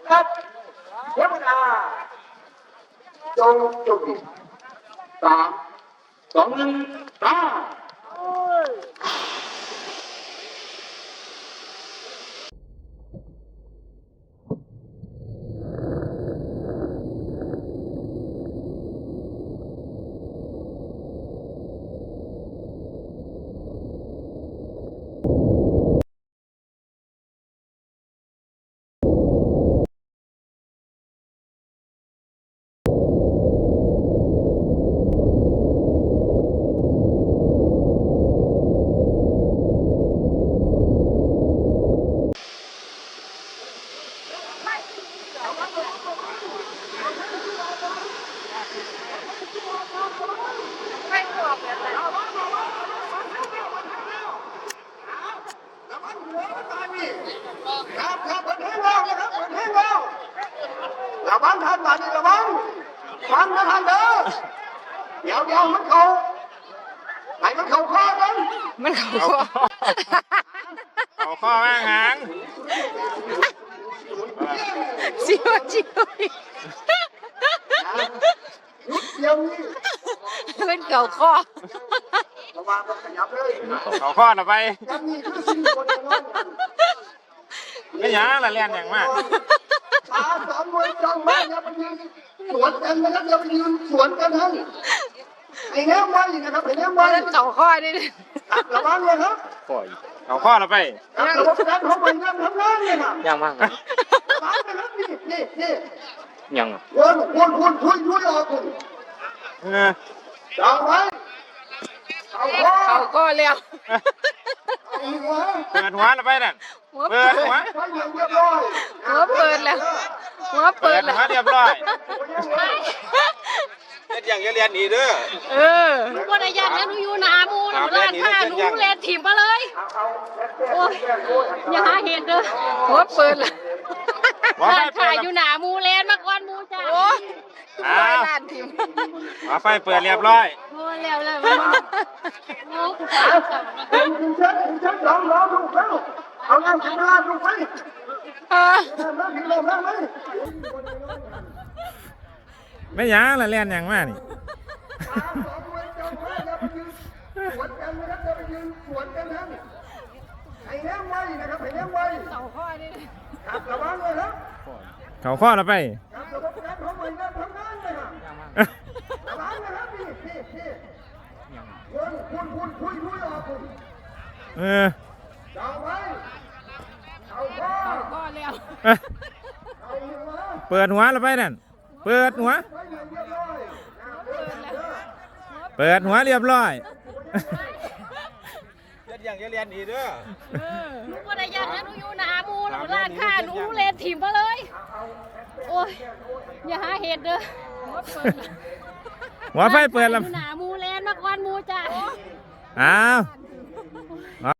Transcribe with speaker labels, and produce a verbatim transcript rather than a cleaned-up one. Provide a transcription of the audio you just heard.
Speaker 1: ครับเทวดาจงจุดสามสองหนึ่งตาครับครับเปิดให้เราเลยครับเปิดให้เราระวังท่านบาดนี้ระวังฟังนะท่านเด้อเดี๋ยวเดี๋ยวมันเขาไหนมันเขาข้อกัน
Speaker 2: มันเขาข้อ
Speaker 3: เอาข้อแม่งหาง
Speaker 2: ชิวชิว
Speaker 1: ยุดเดียวนี้
Speaker 2: เป็นเก่าข้อ
Speaker 1: ระวังมันขยับเลย
Speaker 3: เอาข้อต่อไป
Speaker 1: ยันนี่คือสิ่งคนเดียวนั้น
Speaker 3: ไม่หยังละเลียนอย่างมาก
Speaker 1: ตาสามมวยจังมากอย่าไปยืนสวนกันนะครับอย่าไปยืนสวนกันท่านไอ้แนวไว้นะครับไอ้แนวไว้
Speaker 2: เป็นเก่าข้อนี่
Speaker 1: ระวังเลยครับ
Speaker 3: เอาข้อต่อไป
Speaker 1: ระบบการของมันทำงานเลยครับ
Speaker 4: ยังมาก
Speaker 1: ระวังนะครับนี่นี่นี่
Speaker 4: ยัง
Speaker 1: วนวนวนคุยคุยออกคุณ
Speaker 3: เออ
Speaker 1: จับไว้เอาข้อ
Speaker 2: เก่าข้อแล้ว
Speaker 1: เอาหัว
Speaker 3: เปิดหัวต่อไปนั่น
Speaker 2: หัว
Speaker 3: เปิ
Speaker 2: เปิ
Speaker 3: ด
Speaker 2: ด
Speaker 3: หัว
Speaker 1: ไว้อย่างเรียบร้อย
Speaker 2: หัวเปิดแล้วหัว
Speaker 3: เปิ
Speaker 2: เปิ
Speaker 3: ด
Speaker 2: ดแล้ว
Speaker 3: หัวเรียบร้อยเล่นอย่างเรียนอีเด้อ
Speaker 2: เออ
Speaker 5: ว่าได้ยันแล้วหนูอยู่หนามูหนูร้านผ้าหนูแลนถิ่มมาเลยโอ้ยอย่าหาเหตุเด้อ
Speaker 2: หัวเปิดแล้ว
Speaker 3: หัวไฟ
Speaker 5: ร้าน
Speaker 3: เปิ
Speaker 5: ผ้า
Speaker 3: ด
Speaker 5: อยู่หนามูแลนมาก่อนมูจ้า
Speaker 2: โอ้
Speaker 3: อ้า
Speaker 2: ยว
Speaker 3: ว
Speaker 2: ล้านทิม
Speaker 3: หัวไฟเปิดเรียบร้อย
Speaker 5: โอ้ยแล้วแล้วมันโอ้
Speaker 1: เป็นคุณเช็ดคุณเช็ดลองลองดูเข้าเอาน้ำกินน้ำดูไป
Speaker 2: เออ
Speaker 1: น้ำกินลมน้ำไหม
Speaker 3: ไม่หยังละเลียนอย่างมากนี่
Speaker 1: สองมวยจังมากอย่าไปยืนสวนกันนะครับอย่าไปยืนสวนกันท่านไอ้แนวไว้นะครับไอ้แนวไว้
Speaker 2: เก่าข้อนี่
Speaker 1: ครับระวังเลยครับ
Speaker 3: เขาข้อต่อไป
Speaker 1: ครับระบบการของมันทำงานเลยครับระวังนะครับนี่นี่นี่วนคุณคุณคุยคุยออกคุณ
Speaker 3: เออ
Speaker 1: จับไว้เอาข้อ
Speaker 2: เก่าข้อแล้ว
Speaker 3: เอ้ย
Speaker 1: เอาหัว
Speaker 3: เปิดหัวต่อไปนั่นเปิดหัว
Speaker 1: ไว้อย่างเรียบร้อย
Speaker 3: เปิดหัวเรียบร้อยเล่นอย่างเรียนอีเด้อ
Speaker 5: หนูว่าได้ยันแล้วหนูอยู่หนามูหนูร้านผ้าหนูแลนถิ่มมาเลยโอ้ยอย่าหาเหตุเด้อ
Speaker 2: หัวเปิดแล้ว
Speaker 3: หัวไฟเปิดแล้ว
Speaker 5: อยู่หนามูแลนมาก่อนมูจ้า
Speaker 3: อ้าว